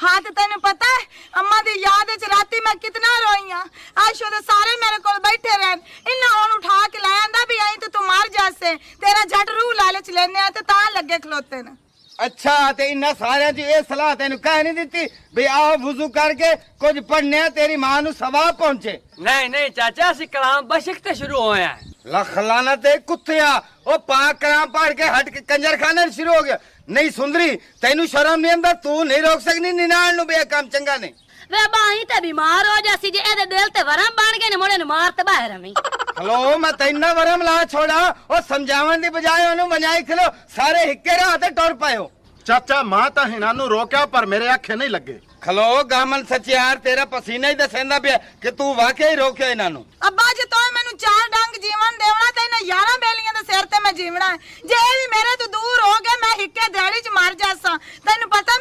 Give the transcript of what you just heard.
हाँ तो तेन पता है अम्मा दी याद च राती मैं कितना रोई हाँ। आशो दे सारे मेरे को बैठे रहन, इन्ना हुण उठा के लाया आंदा भी आई तो तू मर जासे, तेरा झट रूह लालच लेने ते तां लगे खलोते न। अच्छा ते इन्ना सारे च ये सलाह तेन कह नहीं दिती भी आओ वुजू करके कुछ पढ़ने तेरी मां नु सवाब पहुंचे? नहीं नहीं चाचा असी कलाम बशक ते शुरू होए हैं। लख लाना ते कुत्तिया ओ पाक कलाम पढ़ के हट के कंजर खाना शुरू हो गया। नहीं सुंदरी तेनू शर्म नहीं आंदा? तू नहीं रोक सकनी निनाण नु बे काम चंगा नहीं। वे बाही ते बीमार हो जासी जे एदे दिल ते वरम बन गए ने मोड़े ने मार ते बाहर हमी। हलो मैं तैना वरम ला छोड़ा और समझावन दी बजाय ओनु बनाई खलो सारे हिक्के राह ते टुर पायो। चाचा मां ता हिना नु रोक्या पर मेरे आखे नहीं लगे। खलो गामन सचियार तेरा पसीना ही दसेंदा पिया कि तू वाकई रोक्या इना नु। अब्बा जे तोय मैनू 4 डंग जीवन देवना ते इन्हां 11 बेलियां दे सिर ते मैं जीवना है। जे ए भी मेरे तो दूर हो गए मैं हिक्के दिहाड़ी च मर जासा। तैनू पता